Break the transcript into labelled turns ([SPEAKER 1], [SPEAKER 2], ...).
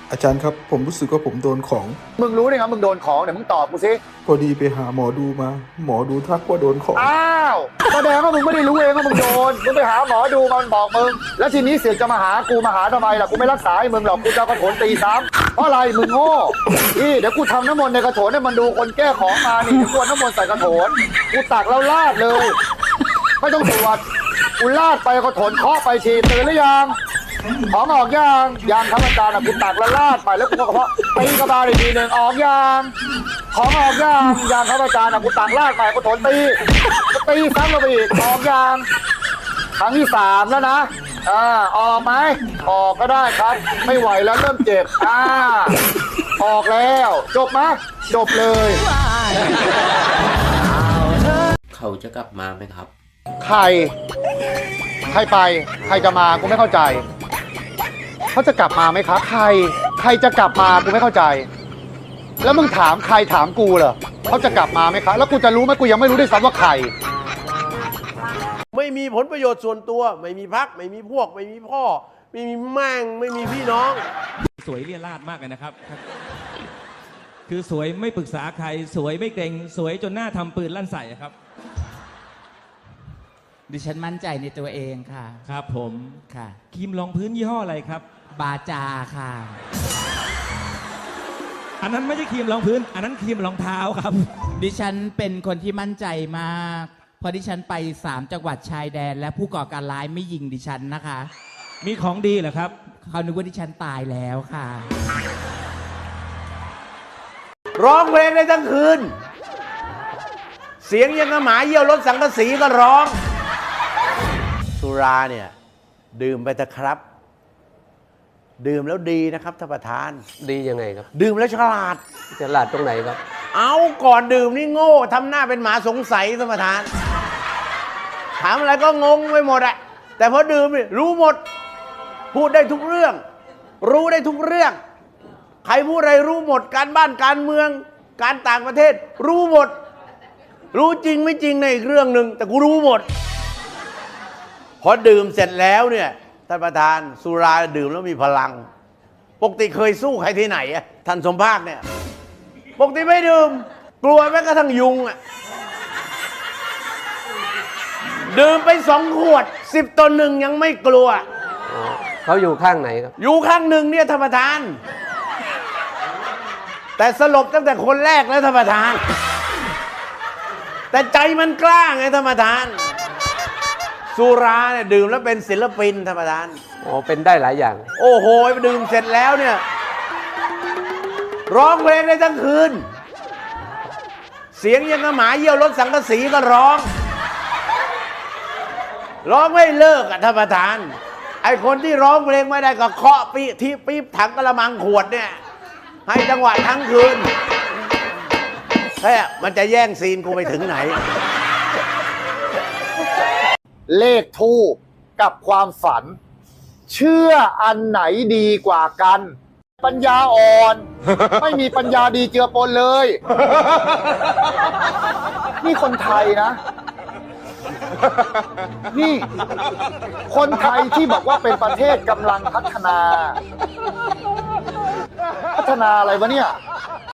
[SPEAKER 1] อาจารย์ครับผมรู้สึกว่าผมโดนของ
[SPEAKER 2] มึงรู้ได้ไงมึงโดนของเดี๋ยวมึงตอบกูสิ
[SPEAKER 1] พอดีไปหาหมอดูมา หมอดูทักว่าโดนของ
[SPEAKER 2] อ้าวแสดงว่ามึงไม่ได้รู้เองว่ามึงโดนมึงไปหาหมอดูมันบอกมึงแล้วทีนี้เสือกจะมาหากูมาหาทำไมล่ะกูไม่รักษาให้มึงหรอกกูจะเอากระโถนตีซ้ำเพราะอะไรมึงโง่นี่เดี๋ยวกูทำน้ำมนต์ในกระโถนให้มันดูคนแก้ของมานี่เดี๋ยวกูเอาน้ำมนต์ใส่กระโถนกูตักแล้วลาดเลยไม่ต้องตรวจกูลาดไปกระโถนเคาะไปทีตื่นหรือยังของออกยังครับอาจารย์กูตักแล้วลาดไปแล้วกูก็เพาะตีกระบาลอีกทีหนึ่งออกยังของออกยังครับอาจารย์กูตักลาดไปกระโถนตีซ้ำลงไปอีกออกยังครั้งที่3แล้วนะออกไหมออกก็ได้ครับไม่ไหวแล้วเริ่มเจ็บออกแล้วจบไหมจบเลย
[SPEAKER 3] เขาจะกลับมาไหมครับ
[SPEAKER 2] ใครไปใครจะมากูไม่เข้าใจเขาจะกลับมาไหมครับใครจะกลับมากูไม่เข้าใจแล้วมึงถามใครถามกูเหรอเขาจะกลับมาไหมครับแล้วกูจะรู้ไหมกูยังไม่รู้ด้วยซ้ำว่าใคร
[SPEAKER 4] ไม่มีผลประโยชน์ส่วนตัวไม่มีพรรคไม่มีพวกไม่มีพ่อไม่มีแม่งไม่มีพี่น้อง
[SPEAKER 5] สวยเลี่ยราดมากเลยนะครับคือสวยไม่ปรึกษาใครสวยไม่เกรงสวยจนหน้าทำปืนลั่นใส่ครับ
[SPEAKER 6] ดิฉันมั่นใจในตัวเองค่ะ
[SPEAKER 5] ครับผม
[SPEAKER 6] ค่ะ
[SPEAKER 5] ครีมรองพื้นยี่ห้ออะไรครับ
[SPEAKER 6] บาจาค่ะ
[SPEAKER 5] อันนั้นไม่ใช่ครีมรองพื้นอันนั้นครีมรองเท้าครับ
[SPEAKER 6] ดิฉันเป็นคนที่มั่นใจมากเพราะดิฉันไป3จังหวัดชายแดนและผู้ก่อการร้ายไม่ยิงดิฉันนะคะ
[SPEAKER 5] มีของดีเหรอครับ
[SPEAKER 6] เขานึกว่าดิฉันตายแล้วค่ะ
[SPEAKER 4] ร้องเพลงได้ทั้งคืนเสียงยังกระหมาเยี่ยวรถสังกะสีก็ร้องสุราเนี่ยดื่มไปเถอะครับดื่มแล้วดีนะครับท่านประธาน
[SPEAKER 3] ดียังไงครับ
[SPEAKER 4] ดื่มแล้วฉลาด
[SPEAKER 3] ตรงไหนครับ
[SPEAKER 4] เอาก่อนดื่มนี่โง่ทำหน้าเป็นหมาสงสัยท่านประธานถามอะไรก็งงไปหมดอะแต่พอดื่มนี่รู้หมดพูดได้ทุกเรื่องรู้ได้ทุกเรื่องใครพูดอะไรรู้หมดการบ้านการเมืองการต่างประเทศรู้หมดรู้จริงไม่จริงในอีกเรื่องหนึ่งแต่กูรู้หมดพอดื่มเสร็จแล้วเนี่ยท่านประธานสุราดื่มแล้วมีพลังปกติเคยสู้ใครที่ไหนอะท่านสมภาคเนี่ยปกติไม่ดื่มกลัวแม้กระทั่งยุงอะดื่มไป2 ขวด10-1ยังไม่กลัว
[SPEAKER 3] เขาอยู่ข้างไหนครับ
[SPEAKER 4] อยู่ข้างหนึ่งเนี่ยท่านประธานแต่สลบตั้งแต่คนแรกแล้วท่านประธานแต่ใจมันกล้าไงท่านประธานสุราเนี่ยดื่มแล้วเป็นศิลปินท่านประธาน
[SPEAKER 3] เป็นได้หลายอย่าง
[SPEAKER 4] โอ้โหดื่มเสร็จแล้วเนี่ยร้องเพลงได้ทั้งคืนเสียงยังกระหมาเยี่ยวรถสังกะสีก็ร้องไม่เลิกอ่ะท่านประธานไอคนที่ร้องเพลงไม่ได้ก็เคาะปี๊บถังกระมังขวดเนี่ยให้จังหวะทั้งคืนแค่มันจะแย่งซีนกูไปถึงไหน
[SPEAKER 2] เลขทูปกับความฝันเชื่ออันไหนดีกว่ากันปัญญาอ่อนไม่มีปัญญาดีเจือปนเลยนี่คนไทยนะนี่คนไทยที่บอกว่าเป็นประเทศกำลังพัฒนาอะไรวะเนี่ย